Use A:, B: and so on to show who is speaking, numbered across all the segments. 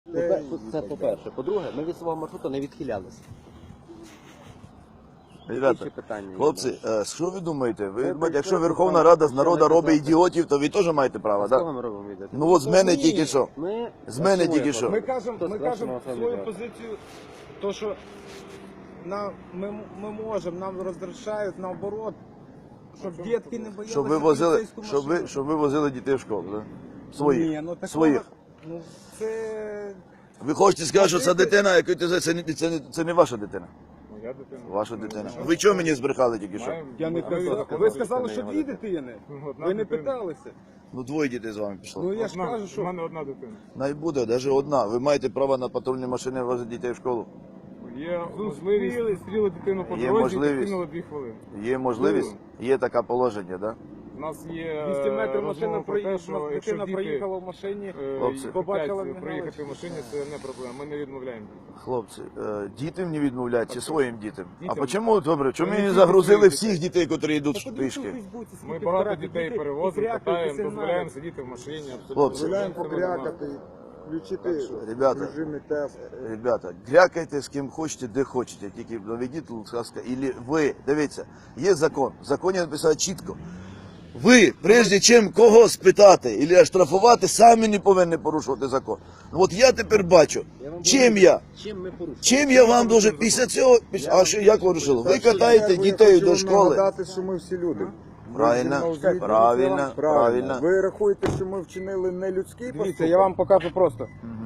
A: Це по-перше. По-друге, ми від свого маршруту не відхилялися.
B: Ребята,
A: питання.
B: хлопці, що ви думаєте? Ви, якщо Верховна Рада з народу робить ідіотів, то ви теж маєте право,
A: З
B: так?
A: кого ми робимо відео?
B: Ну от з мене тільки що.
A: Ми...
B: З мене тільки що.
C: Ми кажемо
A: Хто
C: свою
A: сказав?
C: позицію, то що ми можемо, нам розрішають наоборот, щоб дітки не боялися
B: Щоб ви возили,
C: поліцейську машину.
B: щоб ви возили дітей в школу, так?
C: Ні,
B: Своїх.
C: ну такого,
B: Своїх.
C: ну це...
B: Ви хочете сказати, що ця дитина, яку ти це не ваша дитина?
D: Моя дитина.
B: Ваша дитина. Ви чого мені збрехали тільки що?
C: Я не казав. Ви сказали, що дві дитини.
D: Одна
C: Ви не
D: дитина.
C: питалися.
B: Ну двоє дітей з вами пішло.
C: Ну я ж кажу,
D: У
C: що...
D: мене одна дитина.
B: Най буде, навіть одна. Ви маєте право на патрульні машини возити дітей в школу.
D: Є можливість зустріли дитину по
B: Є
D: дорозі і
B: можливість.
D: підкинули 2 хвилини.
B: Є можливість, є таке положення, так?
D: У нас є
C: 200 метрів машина
D: розмова про те, що якщо
C: дитина
D: діти
C: проїхала в машині,
B: Хлопці.
C: побачила
D: хочуть приїхати в машині, це не проблема. Ми не відмовляємо.
B: Хлопці, дітям не відмовляють чи своїм дітям? А
D: Дітям.
B: чому, добре, чому
D: Ми
B: не
D: не
B: загрузили
D: тільки
B: всіх дітей, які йдуть пішки?
D: Ми багато дітей перевозимо, катаємо, дозволяємо сидіти в машині. Абсолютно.
B: Хлопці.
E: Дозволяємо покрякати, включити
B: Ребята.
E: режими тест.
B: Ребята, грякайте з ким хочете, де хочете, тільки доведіть, будь ласка, і ви, дивіться, є закон, в законі написано чітко. Ви, прежде чим когось питати або штрафувати, самі не повинні порушувати закон. Ну от я тепер бачу, чим
A: Чим ми порушили?
B: чим я вам дуже після цього, а що як ви вирішили? Ви катаєте дітей до школи.
E: Нагадати, що ми всі люди.
B: Правильно, правильно.
E: Ви рахуєте, що ми вчинили нелюдський
C: Дивіться,
E: поступок?
C: я вам покажу просто.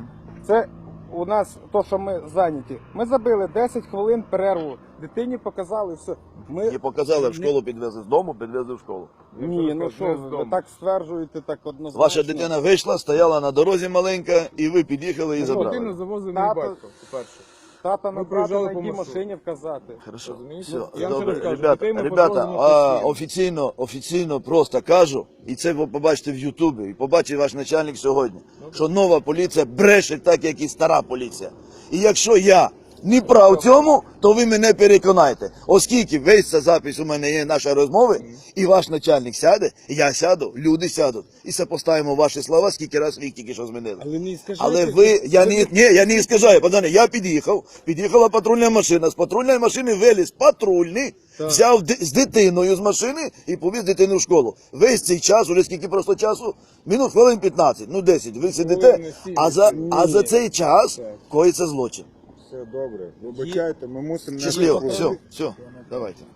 C: Це у нас то, що ми зайняті. Ми забили 10 хвилин перерву. Дитині показали все. Ми...
B: І показали, в школу підвезли з дому, підвезли в школу.
C: Ні, ну що, ви так стверджуєте, так однозначно.
B: Ваша дитина вийшла, стояла на дорозі маленька, і ви під'їхали і
D: Дитину
B: забрали.
D: завозив мій
C: Тато-
D: батько, по-перше.
C: Тата
D: Ми
C: набрати
D: проїжджали
C: на
D: по
C: якій
D: маршруту.
C: машині вказати.
B: Хорошо,
D: Розумієте?
B: все,
D: Я вам
B: добре.
D: ще раз кажу,
B: Ребята,
D: дітей ми
B: ребята,
D: подвозимо постійно.
B: офіційно просто кажу, і це ви побачите в Ютубі, і побачить ваш начальник сьогодні, що нова поліція бреше так, як і стара поліція. І якщо я не прав в цьому, то ви мене переконайте. Оскільки весь ця запис у мене є нашої розмови, і ваш начальник сяде, я сяду, люди сядуть. І сопоставимо ваші слова, скільки раз ви їх тільки що змінили.
C: Але не скажіть,
B: Але ви, я не скажаю, пацани, я під'їхала патрульна машина, з патрульної машини виліз патрульний, взяв з дитиною з машини і повіз дитину в школу. Весь цей час, уже скільки просто часу, минут хвилин 15, ну 10, ви сидите, а за цей час коїться злочин.
E: Все добре. Вибачайте, ми мусимо...
B: Щасливо, все, давайте.